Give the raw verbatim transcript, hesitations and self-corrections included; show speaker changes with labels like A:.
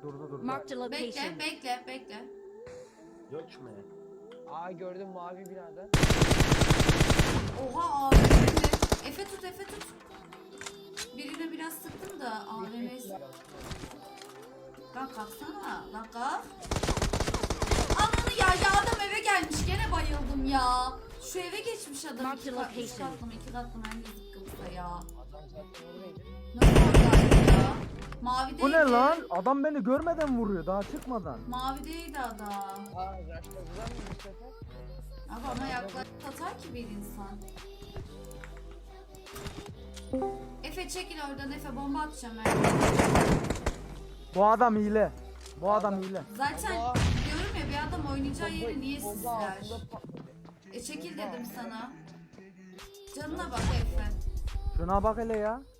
A: Durdu durdu.
B: Marked a
C: Bekle,
B: location.
C: bekle, bekle.
D: Yok mu?
E: Aa gördüm mavi binada.
C: Oha A V M mi? Efe tut, Efe tut. Birine biraz sıktım da A V M'yi... Lan kalksana, lan kalk. Ananı ya, ya adam eve gelmiş, gene bayıldım ya. Şu eve geçmiş adam,
B: Mark
C: iki,
B: the
C: kat, üç
B: location.
C: katlı mı, iki katlı mı, hangi zıkkımsa ya.
E: Adam zaten oradaydı.
C: Nasıl oradaydı ya? Mavideydi.
A: Bu ne lan? Adam beni görmeden vuruyor daha çıkmadan.
C: Mavideydi adam.
E: Aa raşladılar mı bu sefer?
C: Abi ama yaklaşık atar ki bir insan. Efe çekil oradan, Efe bomba atacağım ben.
A: Bu adam hile. Bu adam hile.
C: Zaten
E: Allah.
C: diyorum ya, bir adam oynayacağı yeri niye
E: Bomba
C: sizler?
E: altında patladı.
C: E çekil dedim sana. Canına bak Efe.
A: Şuna bak hele ya.